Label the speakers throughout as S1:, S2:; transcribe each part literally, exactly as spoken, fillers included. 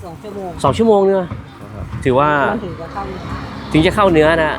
S1: สองชั่วโมง
S2: สองชั่วโมงเนี่ยถือว่าถึงจะเข้าถึงจะเข้าเนื้อนะ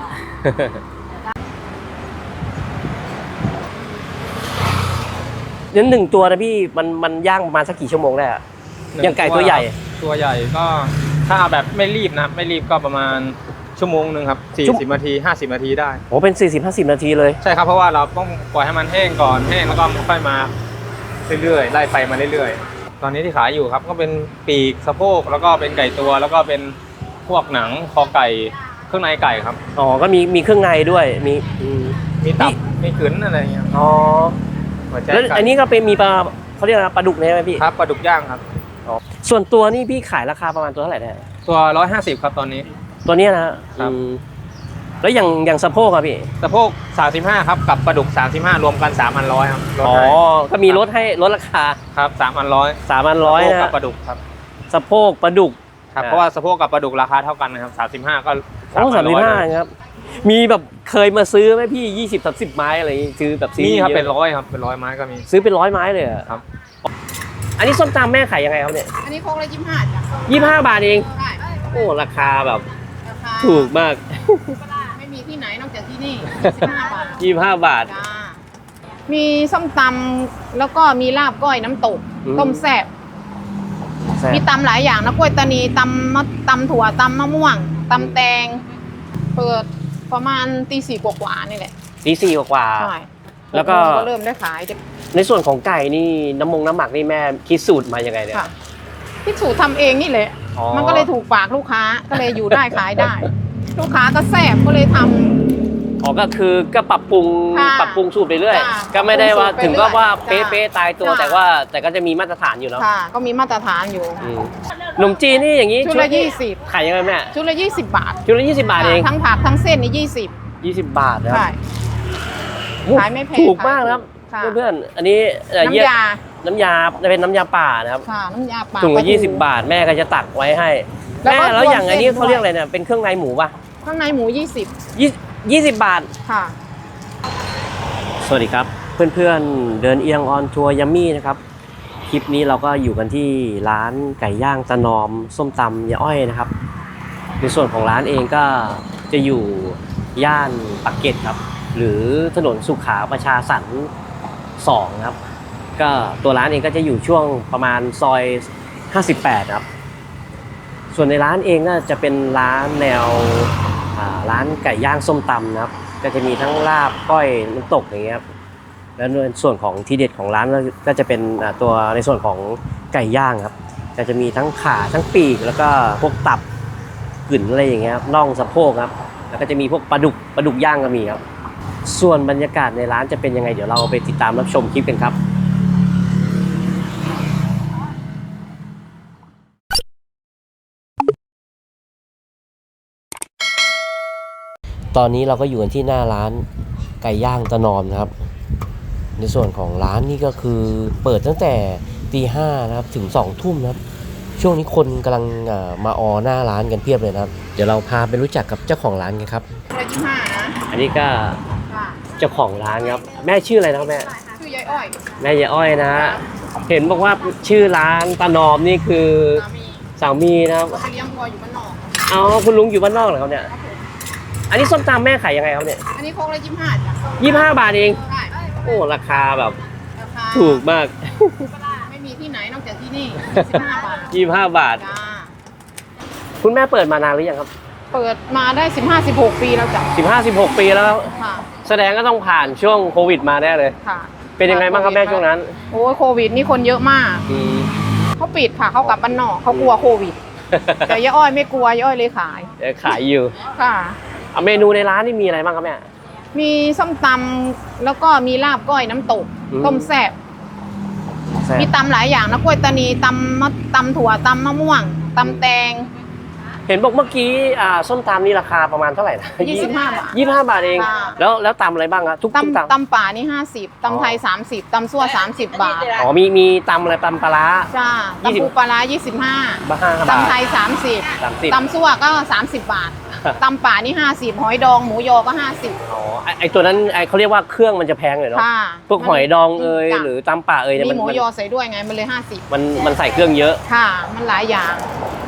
S2: เนื้อหนึ่งตัวนะพี่มันมันย่างประมาณสักกี่ชั่วโมงได้อะอย่างไก่ตัวใหญ่
S3: ตัวใหญ่ก็ถ้าแบบไม่รีบนะไม่รีบก็ประมาณชั่วโมงหนึ่งครับสี่สิบนาทีห้าสิบนาทีได้
S2: โอ้เป็นสี่สิบห้าสิบนาทีเลย
S3: ใช่ครับเพราะว่าเราต้องปล่อยให้มันแห้งก่อนแห้งแล้วก็ค่อยมาเรื่อยๆไล่ไฟมาเรื่อยๆตอนนี้ที่ขายอยู่ครับก็เป็นปีกสะโพกแล้วก็เป็นไก่ตัวแล้วก็เป็นพวกหนังคอไก่เครื่องในไก่ครับ
S2: อ๋อก็มีมีเครื่องในด้วยมี
S3: มีตับมีขืนอะไรอย่างเงี้ย
S2: อ๋อแล้วอันนี้ก็เป็นมีปลาเขาเรียกอะไรปลาดุกเนี่ยไหมพี่
S3: ครับปลาดุกย่างครับ
S2: อ๋อส่วนตัวนี่พี่ขายราคาประมาณตัวเท่าไหร่เนี่ย
S3: ตัวร้อยห้าสิบครับตอนนี้
S2: ตัวนี้นะครับแล้วอย่างอย่างสะโพกครับพี่
S3: สะโพกสามสิบห้าครับกับปลาดุกสามสิบห้ารวมกันสามพันร้อยครับ
S2: อ๋อก็มีลดให้ลดราคา
S3: ครับสามพันร้อย
S2: สามพันร้อยนะ
S3: กับปลาดุกครับ
S2: สะโพกปลาดุก
S3: ครับเพราะว่าสะโพกกับปลาดุกราคาเท่ากันนะครับสามสิบห้าก็
S2: โอ้สามสิบห้าครับมีแบบเคยมาซื้อไหมพี่ยี่สิบสามสิบไม้อะไรซื้อแบบซื้อ
S3: นี่ครับเป็นร้อยครับเป็นร้อยไม้ก็มี
S2: ซื้อเป็นร้อยไม้เลยครับอันนี้ส้มตำแม่ขายยังไงครับเนี่ย
S1: อันนี้โคกละยี่สิบห้าจ้ะ
S2: ยี่สิบห้าบาทเองโอ้ราคาแบบถูกมาก
S1: ไม่มีที่ไหนนอกจากที่นี่
S2: ยี่สิบห้าบาท
S1: มีส้มตำแล้วก็มีลาบก้อยน้ำตกต้มแซ่บมีตำหลายอย่างนะกล้วยตานีตำมะตำถั่วตำมะม่วงตำแตงเปิดประมาณตีสี่กว่าๆนี่แหละ
S2: ตีสี่กว่า
S1: ใช่
S2: แล้วก็
S1: เริ่มได้ขาย
S2: ในส่วนของไก่นี่น้ำมงน้ำหมักนี่แม่คิดสูตรมายังไงเนี่ย
S1: คิดสูตรทำเองนี่แหละมันก็เลยถูกปากลูกค้าก็เลยอยู่ได้ขายได้ลูกค้าก็แซ่บก็เลยทำ
S2: อ๋อก็คือก็ปรับปรุงปรับปรุงสูตรไปเรื่อยก็ไม่ได้ว่าถึงก็ว่าเป๊ะๆตายตัวแต่ว่าแต่ก็จะมีมาตรฐานอยู่เนาะ
S1: ก็มีมาตรฐานอยู่
S2: ขนมจีนนี่อย่างนี้
S1: ชุดละยี่สิบ
S2: ขายยังไงแม่
S1: ชุดละยี่สิบบาท
S2: ชุดละยี่สิบบาทเอง
S1: ทั้งผักทั้งเส้นนี่ยี่สิบ
S2: ยี่สิบบาทนะ
S1: ใช่ขายไม่แพง
S2: ถูกมากนะครับเพื่อนๆอันนี้
S1: น้ำยา
S2: น้ำยาจะเป็นน้ำยาป่านะครับ
S1: ค่ะน้ำยาป่า
S2: ถุงละยี่สิบบาทแม่ก็จะตักไว้ให้แม่แล้วอย่างอันนี้เขาเรียกอะไรเนี่ยเป็นเครื่องในหมูป่ะ
S1: เครื่องในหมูยี่สิบ
S2: ยี่สิบบาท
S1: ค่ะ
S2: สวัสดีครับเพื่อนๆเดินเอียงออนทัวร์ยัมมี่นะครับคลิปนี้เราก็อยู่กันที่ร้านไก่ย่างตะนอมส้มตำยายอ้อยนะครับในส่วนของร้านเองก็จะอยู่ย่านปากเกร็ดครับหรือถนนสุขาประชาสรรค์สองครับก็ตัวร้านเองก็จะอยู่ช่วงประมาณซอยห้าสิบแปดครับส่วนในร้านเองก็จะเป็นร้านแนวร้านไก่ย่างส้มตำนะครับก็จะมีทั้งลาบก้อยน้ำตกอย่างเงี้ยครับแล้วในส่วนของทีเด็ดของร้านก็จะเป็นตัวในส่วนของไก่ย่างครับก็จะมีทั้งขาทั้งปีกแล้วก็พวกตับกึ่นอะไรอย่างเงี้ยครับน่องสะโพกครับแล้วก็จะมีพวกปลาดุกปลาดุกย่างก็มีครับส่วนบรรยากาศในร้านจะเป็นยังไงเดี๋ยวเราไปติดตามรับชมคลิปกันครับตอนนี้เราก็อยู่กันที่หน้าร้านไก่ย่างตะนอมนะครับในส่วนของร้านนี่ก็คือเปิดตั้งแต่ตีห้านะครับถึงสองทุ่มนะครับช่วงนี้คนกำลังมาออหน้าร้านกันเพียบเลยนะครับเดี๋ยวเราพาไปรู้จักกับเจ้าของร้านกันครับอันนี้ก็เจ้าของร้านครับแม่ชื่ออะไรนะครับแม่
S1: ชื่อยายอ้อย
S2: แม่ยายอ้อยนะฮะเห็นบอกว่าชื่อร้านตะนอมนี่คือสามีนะครับ
S1: เลี้ยงวัวอยู่บ้านนอก
S2: อ๋อคุณลุงอยู่บ้านนอกเหรอครับเนี่ยอันนี้ส้มตำแม่ขายยังไงครับเนี่ย
S1: อันนี้โคกละยี่สิบห้าจ้ะ
S2: ยี่สิบห้าบาทเองโอ้ราคาแบบถูกมาก
S1: ไม่มีที่ไหนนอกจากที่นี่ยี่สิบห้าบาท
S2: ยี่สิบห้าบาทคุณแม่เปิดมานานหรือยังครับ
S1: เปิดมาได้สิบห้าสิบหกปีแล้วจ้ะ
S2: สิบห้าสิบหกปีแล้วแสดงก็ต้องผ่านช่วงโควิดมาแน่เลย
S1: ค่ะ
S2: เป็นยังไงบ้างครับแม่ช่วงนั้น
S1: โอ้โควิดนี่คนเยอะมากเขาปิดค่ะเขากลับบ้านนอกเขากลัวโควิดแต่ยายอ้อยไม่กลัวยายอ้อยเลยขาย
S2: ขายอยู่
S1: ค่ะ
S2: เมนูในร้านนี่มีอะไรบ้างครับแม่
S1: มีส้มตำแล้วก็มีลาบก้อยน้ำตกต้มแซ่บมีตำหลายอย่างนะกล้วยตานีตำมะตำถั่วตำมะม่วงตำแตง
S2: เห็นบอกเมื่อกี้ส้มตำนี่ราคาประมาณเท่าไหร่นะ
S1: ยี่สิบห้าบาท
S2: ยี่สิบห้าบาทเองแล้วแล้วตำอะไรบ้างครับทุก
S1: ตำตำป่านี่ห้าสิบตำไทยสามสิบตำซั่วสามสิบบาท
S2: อ๋อมีมีตำอะไรตำปลา
S1: จ้าตำปูปลายี่สิบห้าตำไทยสามสิบตำซั่วก็สามสิบบาทตำป่านี่ห้าสิบหอยดองหมูยอก็ห้าสิบ
S2: อ๋อไอตัวนั้นไอเขาเรียกว่าเครื่องมันจะแพงเลยเนาะพวกหอยดองเอยหรือตำป่าเอย
S1: มีหมูยอใส่ด้วยไงมันเลยห้าสิบ
S2: มันมันใส่เครื่องเยอะ
S1: ค่ะมันหลายอย่าง
S2: โอ้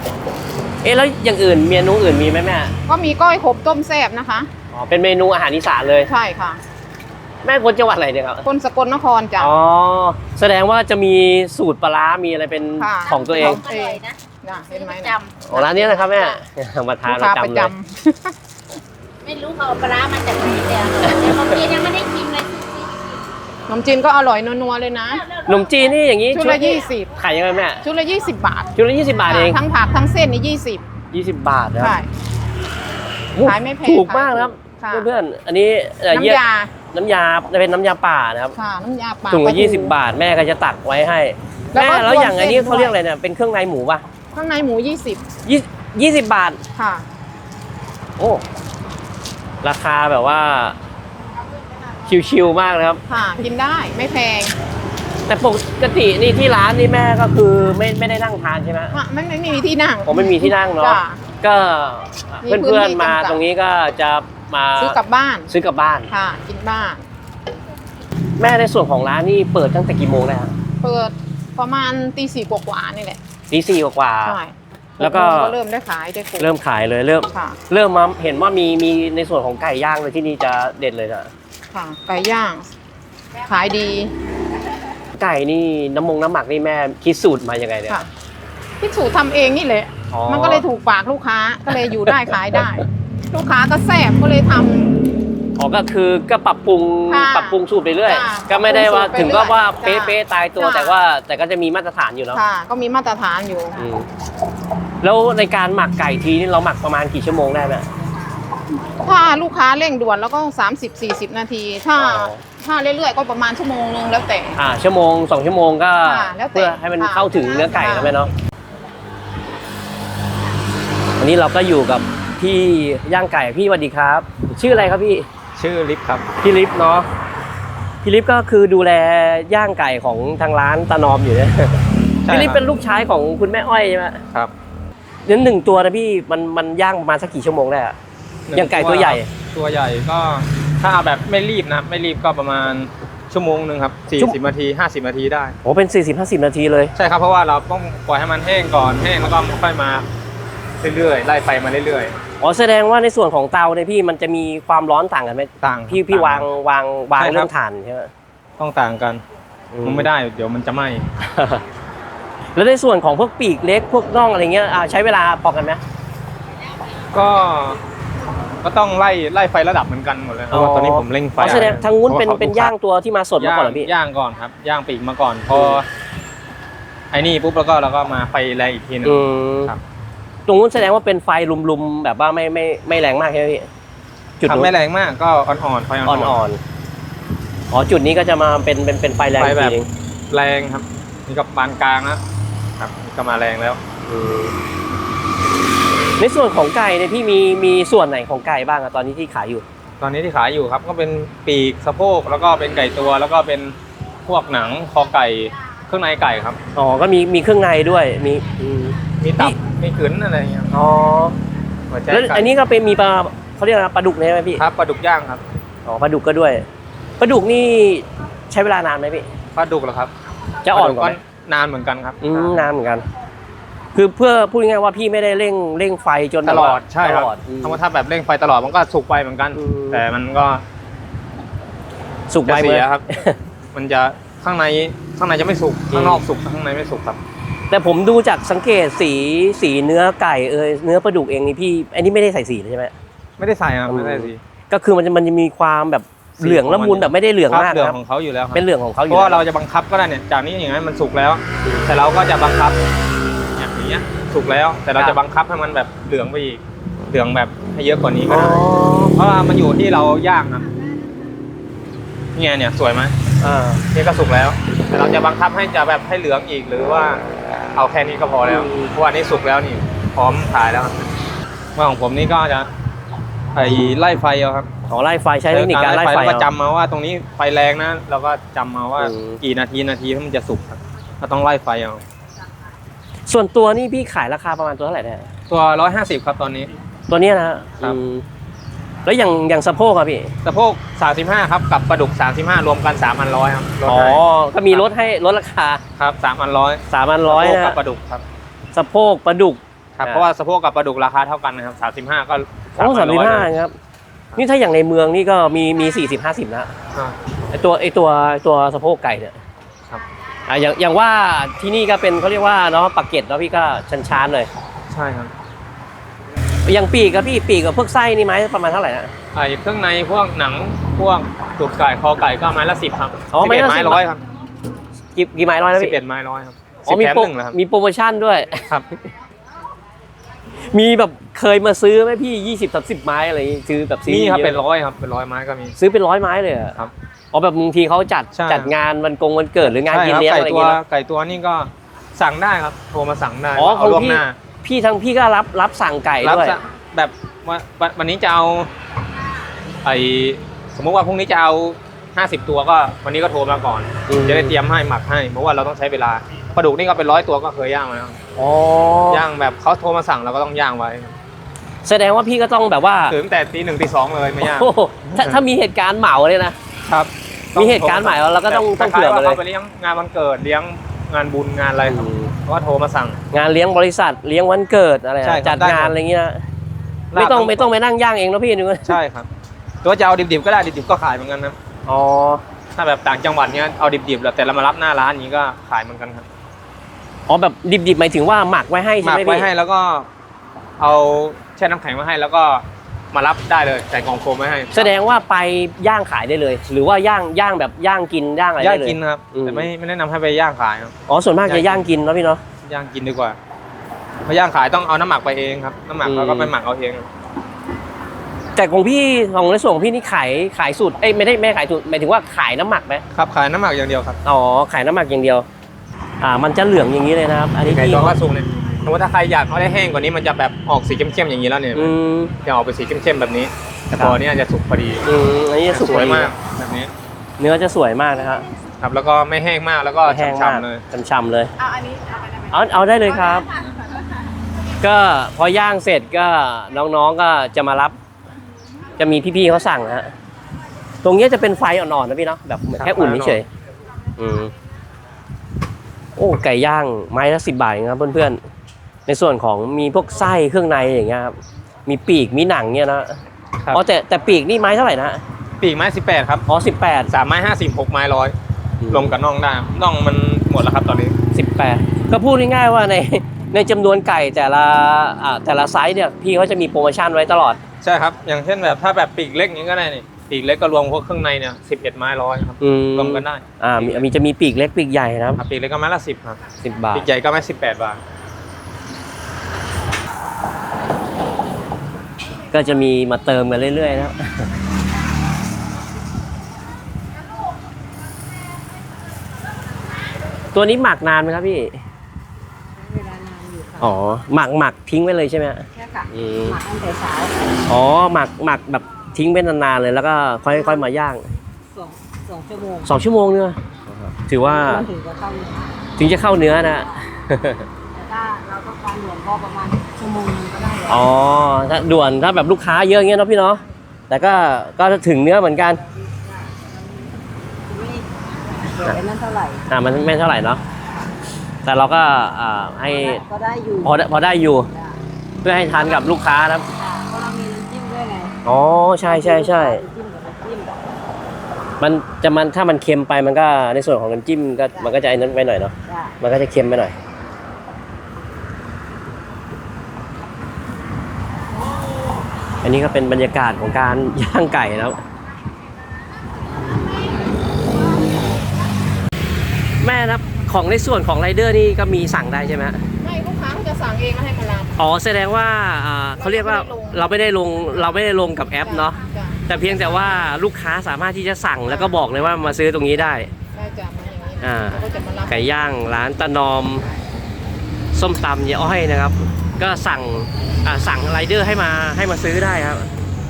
S2: เอ๊ะแล้วอย่างอื่นเมนูอื่นมีไหมแม่
S1: ก็มีก้อยขบต้มแซ่บนะคะ
S2: อ๋อเป็นเมนูอาหารอีสานเลย
S1: ใช่ค่ะ
S2: แม่คนจังหวัดอะไรเนี่ยครับ
S1: คนสกลนครจ้ะ
S2: อ๋อแสดงว่าจะมีสูตรปลาร้ามีอะไรเป็น
S1: ค่ะ
S2: ของตัวเอง
S4: อร่อยนะ
S1: น่ะเห็นไหม
S4: จ
S1: นะ
S2: อ๋อร้านนี้นะครับแม่มาทาน
S1: ลูก
S2: ประ
S1: ค้าประ
S2: จำ
S1: จ
S2: เลย
S4: ำไม่รู้เขาเอาปลาร้ามาจากไหนเดี๋ยวเดี๋ยวบางทียังไม่ได้ชิมเลย
S1: ำขนมจีนก็อร่อยนัวๆเลยนะ
S2: ขนมจีนนี่อย่างนี้
S1: ชุดละยี่สิบ
S2: ขายยังไงแม่
S1: ชุดละยี่สิบบาท
S2: ชุดละยี่สิบบาทเอง
S1: ทั้งผักทั้งเส้นนี่ยี่สิบ
S2: ยี่สิบบาทนะ
S1: ใช่
S2: โอ้
S1: ขายไม่แพง
S2: ถูกมากนะครับ
S1: ค่ะ
S2: เพื่อนๆอันนี้เอ่อ
S1: น้ำยา
S2: น้ำยาเป็นน้ำยาป่านะครับ
S1: ค่ะน้ำยาปลา
S2: ถุงละ
S1: ปลาทู
S2: ยี่สิบบาทแม่ก็จะตักไว้ให้
S1: แล้ว
S2: แม่
S1: ก็
S2: แล้วอย่าง
S1: รวม
S2: อันนี้
S1: เส้น
S2: เขาเรียก
S1: ด้วย
S2: อะไรเนี่ยเป็นเครื่องในหมูป่ะ
S1: ข้างในหมูยี่สิบ
S2: ยี่ยี่สิบบาท
S1: ค่ะ
S2: โอ้ราคาแบบว่า ชิวๆมากนะครับ
S1: ค่ะกินได้ไม่แพง
S2: แต่ปกตินี่ที่ร้านนี่แม่ก็คือไม่ไม่ได้นั่งทานใช่ไหม
S1: อ่ะไม่ไม่ไม่มีที่นั่ง
S2: ผมไม่มีที่นั่งเนาะ
S1: จ้ะ
S2: ก็
S1: มีพื้น
S2: เพื่อน
S1: ที่
S2: ๆมา
S1: จำกัด
S2: ตรงนี้ก็จะมา
S1: ซื้อกลับบ้าน
S2: ซื้อกลับบ้าน
S1: ค่ะ กินบ้าน
S2: แม่ในส่วนของร้านนี่เปิดตั้งแต่กี่โมงได้ครับ
S1: เปิดประมาณตีสี่กว่าๆนี่แหละ
S2: ตีสี่กว่า
S1: ใช่
S2: แล้วก็
S1: หโมงเริ่มได้ขายได้ขาย
S2: เริ่มขายเลยเริ่ม
S1: ค่ะ
S2: เริ่มมาเห็นว่ามีมีในส่วนของไก่ย่างเลยที่นี่จะเด็ดเลยนะ
S1: ค่ะไก่ย่าง ขายดี
S2: ไก่นี่น้ำมงน้ำหมักนี่แม่คิดสูตรมายังไงเนี่ย
S1: ค่ะพี่สูตรทำเองนี่แหละ
S2: อ๋อ
S1: มันก็เลยถูกปากลูกค้าก็เลยอยู่ได้ขายได้ ลูกค้าก็แซ่บก็เลยทำ
S2: อ๋อก็คือก็ปรับปรุง
S1: ค่ะ
S2: ปรับปรุงสูตรไปเรื่อย
S1: ค่ะ
S2: ก็ไม่ได้ว่า
S1: ปรับปรุงสูตรไป
S2: ถึงก็ว่า
S1: เรื่
S2: เป๊ะ
S1: อย
S2: เป๊ะตายตัว
S1: ค่ะ
S2: แต่ว่าแต่ก็จะมีมาตรฐานอยู่เนาะ
S1: ค่ะ ก็มีมาตรฐานอยู่
S2: อืมแล้วในการหมักไก่ทีนี่เราหมักประมาณกี่ชั่วโมงได้ไหม
S1: ถ้าลูกค้าเร่งด่วนแล้วก็สามสิบสี่สิบนาที ถ้า
S2: อ๋อ
S1: ถ้าเรื่อยๆก็ประมาณชั่วโมงนึงแล้วแต่
S2: อ่าชั่วโมงสองชั่วโมงก็
S1: ค่ะแล้วแต่
S2: เพื่อให้มัน
S1: ค่ะ
S2: เข้าถึงเนื้อไก่
S1: ค่ะ
S2: นะแม่เนาะวันนี้เราก็อยู่กับพี่ย่างไก่พี่สวัสดีครับ ชื่ออะไรครับพี่
S3: ชื่อลิฟครับ
S2: พี่ลิฟเนาะพี่ลิฟก็คือดูแลย่างไก่ของทางร้านตานอมอยู่เนี่ย
S3: ใช่
S2: พี่ลิฟ
S3: ครับ
S2: เป็นลูกชายของคุณแม่อ้อยใช่ไหม
S3: ครับ
S2: นั้นหนึ่งตัวนะพี่มันมันย่างประมาณสักกี่ชั่วโมงได้อะอย่างไก่ตัวใหญ่
S3: ตัวใหญ่ก็ถ้าเอาแบบไม่รีบนะไม่รีบก็ประมาณชั่วโมงหนึ่งครับ
S2: ชั่ว
S3: 40นาที50นาทีได้
S2: โอ้เป็น สี่สิบห้าสิบ นาทีเลย
S3: ใช่ครับเพราะว่าเราต้องปล่อยให้มันแห้งก่อนแห้งแล้วก็ค่อยมาเรื่อยๆไล่ไฟมาเรื่อย
S2: อ๋อแสดงว่าในส่วนของเตาเนี่ยพี่มันจะมีความร้อนต่างกันไหม
S3: ๆต่าง
S2: พี่พี่
S3: ต่
S2: วางวางวาง
S3: ใช่ครับ
S2: เรื่องถ่านใช่ไหม
S3: ต้องต่างกัน
S2: อื
S3: มันไม่ได้เดี๋ยวมันจะไหม้
S2: แล้วในส่วนของพวกปีกเล็กพวกน่องอะไรเงี้ยอ่าใช้เวลาพอกันไหม
S3: ก็ก็ต้องไล่ไล่ไฟระดับเหมือนกันหมดเลยเพราะว่าตอนนี้ผมเร่งไฟ
S2: อ๋อแสดงทางนู้นเป็น
S3: พระว่ข
S2: เป็นย่างตัวที่มาสดมา
S3: ย่าง
S2: ก่อนเหรอพี่
S3: ย่างก่อนครับย่างปีกมาก่อนพอไอ้นี่ปุ๊บแล้วก็เราก็มาไฟแรงอีกทีหนึง
S2: อืม
S3: ครับ
S2: ตรงนู้นแสดงว่าเป็นไฟลุมๆแบบว่าไม่ไม่ไม่แรงมากใช่ไหมพี่จุด
S3: ทำ
S2: นู้น
S3: ไม่แรงมากก็อ่อนๆไฟอ่อน
S2: อ่อนๆอ๋อจุดนี้ก็จะมาเป็นเป็นเป็นไฟแรง
S3: ไฟ
S2: อีก
S3: แบ
S2: ที
S3: บ
S2: นึง
S3: แรงครับนี่ก็ปานกลางนะครับนี่ก็มาแรงแล้ว
S2: อืมในส่วนของไก่เนี่ยพี่มีมีส่วนไหนของไก่บ้างอะตอนนี้ที่ขายอยู่
S3: ตอนนี้ที่ขายอยู่ครับก็เป็นปีกสะโพกแล้วก็เป็นไก่ตัวแล้วก็เป็นพวกหนังคอไก่เครื่องในไก่ครับ
S2: อ๋อก็มีมีเครื่องในด้วยมีอืม
S3: มีตับ
S2: นี่
S3: มีขืนอะไรอย่างเงี้ย
S2: อ๋อ
S3: หัวใจ
S2: แล้ว
S3: ไก่
S2: อันนี้ก็เป็นมีปลาเขาเรียกอะไรปลาดุกเนี่ยไหมพี่
S3: ครับปลาดุกย่างครับ
S2: อ๋อปลาดุกก็ด้วยปลาดุกนี่ใช้เวลานานไหมพี่
S3: ปลาดุกเหรอครับ
S2: จะอ่อนกว่า
S3: ปล
S2: ไหม
S3: ดุนานเหมือนกันครับ
S2: อืมนานเหมือนกัน คือเพื่อพูดง่ายๆว่าพี่ไม่ได้เร่งเร่งไฟจน
S3: ต
S2: แบบ
S3: ล
S2: ว่า
S3: อดใช่ครับ
S2: ตลอดอืม
S3: ถ้าว่าถ้าแบบเร่งไฟตลอดมันก็สุกไปเหมือนกัน
S2: อืม
S3: แต่มันก็
S2: สุก
S3: จะ
S2: ไว
S3: เสี
S2: เมื่
S3: ย
S2: อ
S3: ครับ มันจะข้างในข้างในจะไม่สุก
S2: อืม
S3: ข้างนอกสุกข้างในไม่สุกครับ
S2: แต่ผมดูจากสังเกตสีสีเนื้อไก่เอยเนื้อปลาดุกเองนี่พี่อันนี้ไม่ได้ใส่สีเลยใช่ไหม
S3: ไม่ได้ใส่ครับ
S2: อืม
S3: ไม่ได้สิ
S2: ก็คือมันจะมันจะมีความแบบ
S3: สี
S2: เหลืองละมุนแบบไม่ได้เหลือง
S3: ครับ
S2: มาก
S3: เหลือง
S2: นะครับ
S3: ของเขาอยู่แล้วครับ
S2: เป็นเหลืองของเขาอ
S3: เพ
S2: ยู่
S3: ราะว่า
S2: แล้ว
S3: เราจะบังคับก็ได้เนี่ยจากนี้อย่างนั้นมันสุกแล้ว แต่เราก็จะบังคับอย่างนี้ยสุกแล้ว แต่เราจะบังคับให้มันแบบเหลืองไปอีกเหลืองแบบให้เยอะกว่านี้ก็
S2: อ๋อ
S3: ได้เพราะว่ามันอยู่ที่เราย่างครับเนี่ยเนี่ยสวยไหม
S2: อ่า
S3: นี่ก็สุกแล้ว แต่เราจะบังคับให้จะแบบให้เหลืองอีกหรือว่าเอาแค่นี้ก็พอแล้วเพราะว่านี่สุกแล้วนี่พร้อมขายแล้วครับเมื่อของผมนี่ก็จะไอไล่ไฟเอาครับ
S2: อ๋อไล่ไฟใช้เทคนิคการไล่ไฟ
S3: แล้วก็
S2: เอา
S3: จำมาว่าตรงนี้ไฟแรงนะเราก็จำมาว่า
S2: อืม
S3: กี่นาทีนาทีมันจะสุกครับเราต้องไล่ไฟเอา
S2: ส่วนตัวนี่พี่ขายราคาประมาณตัวเท่าไหร่เนี่ย
S3: ตัวร้อยห้าสิบครับตอนนี้
S2: ตัวเนี้ยนะฮะ
S3: ครับ
S2: อืมแล้วอย่างอย่างสะโพกอะพี่
S3: สะโพกสามสิบห้าครับกับปลาดุกสามสิบห้ารวมกันสามพันร้อยครับลด
S2: อ๋อ
S3: ให้
S2: ก็มีลดให้ลดราคา
S3: ครับสามพันร้อย
S2: สามพันร้อย
S3: กับ
S2: นะ
S3: ปลาดุกครับ
S2: สะโพกปลาดุก
S3: ครับ
S2: อ่า
S3: เพราะว่าสะโพกกับปลาดุกราคาเท่ากันนะครับสามสิบห้าก็
S2: โอ้สามสิบห้าครับนี่ถ้าอย่างในเมืองนี่ก็มีมีสี่สิบห้าสิบนะ
S3: อ่า
S2: ไอตัวไอตัวไอ้ตัวสะโพกไก่เนี่ย
S3: ครับ
S2: อ่ะอย่างอย่างว่าที่นี่ก็เป็นเขาเรียกว่าเนาะปากเกร็ดเนาะพี่ก็ชันชานๆเลย
S3: ใช่ครับ
S2: อย่างปีกกับพี่ปีกกับพวกไส้นี่ไม้ประมาณเท่าไหร่นะ
S3: ไอ้เครื่องในพวกหนังพวกตูดไก่คอไก่ก็ไม้ละสิบครับ
S2: อ๋อ
S3: สิบ
S2: ไม้
S3: เอ็ด
S2: ละ
S3: ไม้
S2: สิบ
S3: ร้อยครับ
S2: กี่กี่ไม้ร้อยนะ
S3: สิบ
S2: พี่
S3: เอ็ดไม้ร้อยครับ
S2: อ๋อ
S3: สิบ
S2: มี
S3: แถม
S2: โปร
S3: หนึ่งเหรอครับ
S2: มีโปรโมชั่นด้วย
S3: ครับ
S2: มีแบบเคยมาซื้อไหมพี่ยี่สิบสามสิบไม้อะไรอย่างงี้ซื้อแบบซื้อ
S3: มีครับ
S2: ยอะ
S3: เป็นร้อยครับเป็นร้อยไม้ก็มี
S2: ซื้อเป็นร้อยไม้เลยเหรอ
S3: ครับ
S2: อ๋อแบบบางทีเขาจัด
S3: ใช่
S2: จัดงานวันกงวันเกิดหรืองาน
S3: ใช่
S2: กิน
S3: ครับ
S2: เลี้ยง
S3: ไก่
S2: อะไรอ
S3: ตั
S2: ย่าง
S3: ว
S2: เงี้ยเนอะ
S3: ไก่ตัวนี่ก็สั่งได้ครับโทรมาสั่งได้
S2: อ๋อ
S3: เอา
S2: ของ
S3: ล่วง
S2: พี่
S3: หน้า
S2: พี่ทั้งพี่ก็รับรับสั่งไก่
S3: รับ
S2: ด้วย
S3: จะแบบว่าวันวันนี้จะเอาไอสมมติว่าพรุ่งนี้จะเอาห้าสิบตัวก็วันนี้ก็โทรมาก่อน
S2: อืม
S3: จะได้เตรียมให้หมักให้เพราะว่าเราต้องใช้เวลาปลาดุกนี่ก็เป็นร้อยตัวก็เคยย่างมาแล้ว
S2: อ๋อย่าง
S3: แบบเขาโทรมาสั่งเราก็ต้องย่างไว้
S2: แสดงว่าพี่ก็ต้องแบบว่า
S3: ถึงแต่ตีหนึ่งตีสองเลยไม่ย่าง
S2: โอ้โหถ้าถ้ามีเหตุการณ์เหมาเลยนะครับ มีเหตุการณ์ใหม่แล้วเราก็ต้อง
S3: แต่
S2: ต้องเผื่อ
S3: ค
S2: มา
S3: ล้ายๆ
S2: เลย
S3: ว่าเขาไปเลี้ยงงานวันเกิดเลี้ยงงานบุญงานอะไรครับเขาก็โทรมาสั่ง
S2: งานเลี้ยงบริษัทเลี้ยงวันเกิดอะไรอะ
S3: ใช่ครับ
S2: จัด
S3: ได้หมด
S2: งานอะไรเงี้ยไม่ต้องไม่ต้องไปนั่งย่างเองนะพี่นึง
S3: ใช่ครับตัวจะเอาดิบๆก็ได้ดิบๆก็ขายเหมือนกันนะ
S2: อ๋อ
S3: ถ้าแบบต่างจังหวัดเนี้ยเอาดิบๆแล้วแต่เรามารับหน้าร้านนี้ก็ขายเหมือนกันครับ
S2: อ๋อแบบดิบๆหมายถึงว่าหมักไว้ให้
S3: ห
S2: ใช่
S3: มั
S2: ไหม
S3: กไว้
S2: พี่
S3: ให้แล้วก็เอาแช่น้ำแข็งมาให้แล้วก็มารับได้เลยใส่กล่องโฟมไว้ให้
S2: แสดงว่าไปย่างขายได้เลย หรือว่าย่างย่างแบบย่างกินย่างอะไร
S3: ย่าง
S2: ได้เลย
S3: กินครับ
S2: อืม
S3: แต่ไม่ไม่แนะนำให้ไปย่างขายครับ
S2: อ๋อส่วนมากจะย่างกินเนาะพี่เนาะ
S3: ย่างกินดีกว่าเพราะย่างขายต้องเอาน้ำหมักไปเองครับน้ำหมัก
S2: อืม
S3: เราก็ไปหมักเอาเอง
S2: แต่ของพี่ของในส่วนของพี่นี่ขายขายสูตรเอ้ยไม่ได้ไม่ขายสูตรหมายถึงว่าขายน้ำหมักไหม
S3: ครับขายน้ำหมักอย่างเดียวครับ
S2: อ๋อขายน้ำหมักอย่างเดียว อ่ามันจะเหลืองอย่างนี้เลยนะครับ อันนี้
S3: ไก่
S2: พี่
S3: ตัวก็สุกเนี่ยสมมติถ้าใครอยากเอาได้แห้งกว่านี้มันจะแบบออกสีเข้มๆอย่างนี้แล้วเนี่ย
S2: อืม
S3: จะออกเป็นสีเข้มๆแบบนี้ แต่
S2: ครับ
S3: พอเนี้จะสุกพอดี
S2: อืมอันนี้จะสุก
S3: สวย
S2: พอดี
S3: มากแบบนี้
S2: เนื้อจะสวยมากนะครับ
S3: ครับแล้วก็ไม่แห้งมากแล้วก็
S2: แห้งมาก
S3: ฉ่ำๆเลย
S2: ฉ่ำๆเลย
S1: เอาอันนี้เอาไปได้ไหม
S2: เอาเอาได้เลยครับ ก็พอย่างเสร็จก็น้องๆก็จะมารับ จะมีพี่ๆเขาสั่งนะฮะตรงเนี้ยจะเป็นไฟอ่อนๆนะพี่เนาะแบบแค่อุ่นเฉยๆอืมโอ้ไก่ย่างไม้ละสิบบาทเองครับเพื่อนๆในส่วนของมีพวกไส้เครื่องในอย่างเงี้ยครับมีปีกมีหนังเนี่ยนะครับ อ๋อแต่แต่ปีกนี่ไม้เท่าไหร่นะ
S3: ปีกไม้สิบแปดครับ
S2: อ๋อสิบแปด
S3: สามไม้ห้าสิบหกไม้ร้อยรวมกับน่องได้น่องมันหมดแล้วครับตอนนี้
S2: สิบแปดก็พูดง่ายๆว่าในในจำนวนไก่แต่ละอ่าแต่ละไซส์เนี่ยพี่เขาจะมีโปรโมชั่นไว้ตลอด
S3: ใช่ครับอย่างเช่นแบบถ้าแบบปีกเล็กอย่างนี้ก็ได้นี่ปีกเล็กก็รวมพวกเครื่องในเนี่ยสิบเอ็ดไม้ร้อยครับ
S2: อืม
S3: รวมกันได้
S2: อ่ามีมีจะมีปีกเล็กปีกใหญ่นะครับ
S3: ครับปีกเล็กก็ไม้ละสิบครับ
S2: สิบบาท
S3: ปีกใหญ่ก็ไม้สิบแปดบาท
S2: ก็จะมีมาเติมกันเรื่อยๆนะครับ ตัวนี้หมักนานไหมครับพี่
S4: เวลานานอยู่ค่ะ
S2: อ๋อ หมักหมักทิ้งไว้เลยใช่ไหมฮะ
S4: แค่ค่ะ
S2: อืม
S4: หมักตั้งแต่เช้า
S2: อ๋อ หมักหมักแบบทิ้งไว้นานๆเลยแล้วก็ค่อยค่อยมาย่าง
S4: สองสองชั่วโมง
S2: สองชั่วโมงเนี่ยถือว่า
S4: มันถึงจะเข้าเนื้อ
S2: ถึงจะเข้าเนื้อนะ
S4: แต่ถ้าเราต้องการหลวงก็ประมาณชั่วโมงนึงก็ได้แล้ว
S2: อ๋อ ถ้าด่วนถ้าแบบลูกค้าเยอะเงี้ยเนาะพี่เนาะ แต่ก็ก็ถึงเนื้อเหมือนกัน
S4: ไม่เดี๋ยวไอ้นั่นเท่าไหร่
S2: อ่ามันไม่เท่าไหร่เนาะ แต่เราก็อ่าให้
S4: ก็ได้อยู่
S2: พอได้พอได้อยู่
S4: จ้ะ
S2: เพื่อให้ทานกับลูกค้านะครับ
S4: ค่ะเพราะเรามีน้ำจิ้มด้วยไง
S2: อ๋อ ใช่ใช่ใช่
S4: น้ำจิ้มกับน้ำจิ้ม
S2: มันจะมันถ้ามันเค็มไปมันก็ในส่วนของน้ำจิ้มก็มันก็จะไอ้นั้นไปหน่อยเนาะ
S4: จ้ะ
S2: มันก็จะเค็มไปหน่อย อันนี้ก็เป็นบรรยากาศของการ ย่างไก่นะครับ แม่นะครับของในส่วนของไรเดอร์นี่ก็มีสั่งได้ใช่ไหมฮะ
S1: ไม่ลูกค้าเขาจะสั่งเองแล้วให้มารับ
S2: อ๋อแสดงว่าอ่าเขาเรียกว่าเราไม่ได้ลงเราไม่ได้ลงกับแอปเนาะ
S1: จ้ะ
S2: แต่เพียงแต่ว่าลูกค้าสามารถที่จะสั่งแล้วก็บอกเลยว่ามาซื้อตรงนี้ได้
S1: ได้จ้ะมาอย่างนี้
S2: อ่า
S1: เขาก็จะมารับ
S2: ไก่ย่างร้านตะนอมส้มตำยายอ้อยนะครับ ก็สั่งอ่าสั่งไรเดอร์ให้มาให้มาซื้อได้ครับ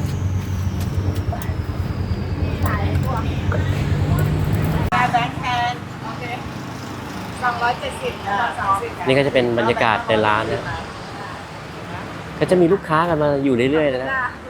S1: แบงค์แทนโอเคสองร้อยเจ็ดสิบสองสิบ
S2: นี่ก็จะเป็นบรรยากาศในร้านนะก็จะมีลูกค้ากันมาอยู่เรื่อยๆเลยนะ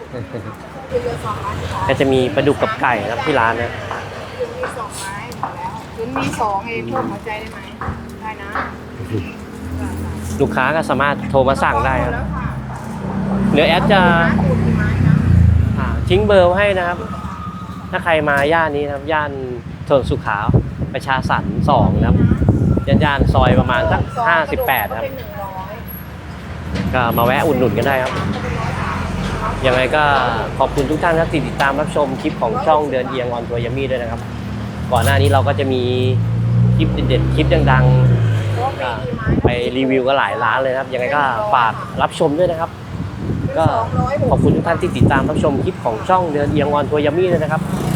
S2: ก็จะมีปลาดุกกับไก่นะครับที่ร้านนะ
S1: คืนมีสองไม้หมดแล้วคืนมีสองเองเพิ่มหัวใจได้ไหมได้นะ
S2: ลูกค้าก็สามารถโทรมาสั่งได้ครับเดี๋ยวแอดจะอ่าทิ้งเบอร์ไว้ให้นะครับ ถ้าใครมาย่านนี้นะครับย่านถนนสุขาวประชาสรรค์สองนะครับย่านย่านซอยประมาณสักห้าสิบแปดครับก็มาแวะอุ่นหนุนกันได้ครับยังไงก็ขอบคุณทุกท่านที่ติดตามรับชมคลิปของช่องเดินเอียงออนทัวร์ยัมมี่ด้วยนะครับก่อนหน้านี้เราก็จะมีคลิปเด็ดๆคลิปดังๆก็ไปรีวิวก็หลายร้านเลยนะครับยังไงก็ฝากรับชมด้วยนะครับก็ขอบคุณทุกท่านที่ติดตามรับชมคลิปของช่องเดินเอียงออนทัวร์ยัมมี่ด้วยนะครับ